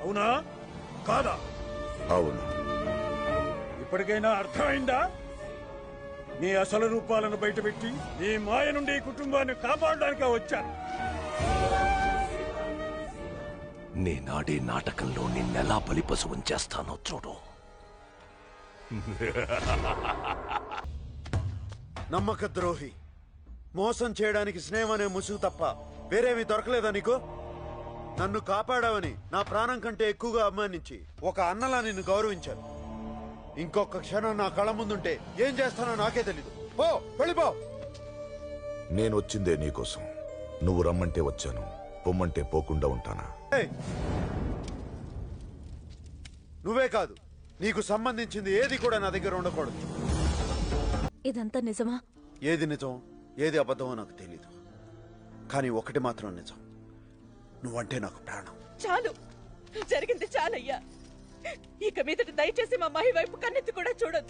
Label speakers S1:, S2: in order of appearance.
S1: అవునా కాదా?
S2: అవును.
S1: ఇప్పటికైనా అర్థమైందా? నీ అసలు రూపాలను బయటపెట్టి నీ మాయ నుండి ఈ కుటుంబాన్ని కాపాడడానికి వచ్చాను.
S3: నేనాడే నాటకంలో నిన్నెలా బలిపశువం చేస్తానో చూడు.
S4: నమ్మక ద్రోహి, మోసం చేయడానికి స్నేహం అనే ముసుగు తప్ప వేరేమీ దొరకలేదా నీకు? నన్ను కాపాడావని నా ప్రాణం కంటే ఎక్కువగా అభిమానించి ఒక అన్నలా నిన్ను గౌరవించాను. ఇంకొక క్షణం నా కళ్ళ ముందుంటే ఏం చేస్తానో నాకే తెలీదు. పో, వెళ్ళిపో.
S2: నేను వచ్చిందే నీకోసం. నువ్వు రమ్మంటే వచ్చాను, పొమ్మంటే పోకుండా ఉంటానా?
S4: ఏయ్! నువ్వే కాదు, నీకు సంబంధించింది ఏది కూడా నా దగ్గర ఉండకూడదు.
S5: ఇదంతా నిజమా?
S4: ఏది నిజం ఏది అబద్ధమో నాకు తెలీదు, కానీ ఒకటి మాత్రం నిజం, నువ్వంటే నాకు ప్రాణం.
S6: చాలు, జరిగింది చాలయ్యా. ఇక మీదట దయచేసి మా మహి వైపు కన్నెత్తి కూడా చూడొద్దు.